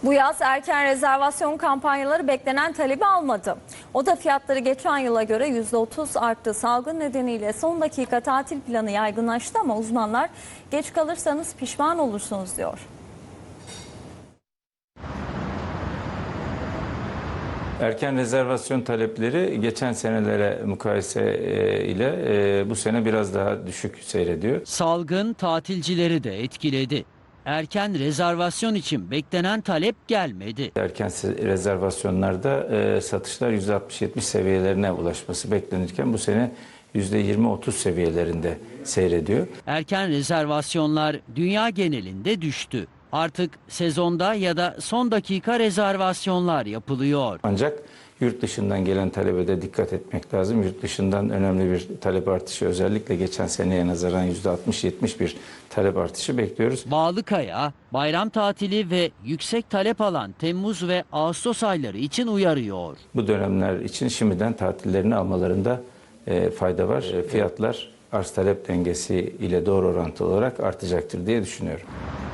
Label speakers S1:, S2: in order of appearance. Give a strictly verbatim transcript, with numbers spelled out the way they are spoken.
S1: Bu yaz erken rezervasyon kampanyaları beklenen talebi almadı. Oda fiyatları geçen yıla göre yüzde otuz arttı. Salgın nedeniyle son dakika tatil planı yaygınlaştı ama uzmanlar geç kalırsanız pişman olursunuz diyor.
S2: Erken rezervasyon talepleri geçen senelere mukayese ile bu sene biraz daha düşük seyrediyor.
S3: Salgın tatilcileri de etkiledi. Erken rezervasyon için beklenen talep gelmedi.
S2: Erken rezervasyonlarda satışlar yüzde altmış yetmiş seviyelerine ulaşması beklenirken bu sene yüzde yirmi otuz seviyelerinde seyrediyor.
S3: Erken rezervasyonlar dünya genelinde düştü. Artık sezonda ya da son dakika rezervasyonlar yapılıyor.
S2: Ancak yurt dışından gelen talebe de dikkat etmek lazım. Yurt dışından önemli bir talep artışı, özellikle geçen seneye nazaran yüzde altmış yetmiş bir talep artışı bekliyoruz.
S3: Bağlıkaya, bayram tatili ve yüksek talep alan Temmuz ve Ağustos ayları için uyarıyor.
S2: Bu dönemler için şimdiden tatillerini almalarında e, fayda var. E, fiyatlar arz talep dengesi ile doğru orantılı olarak artacaktır diye düşünüyorum.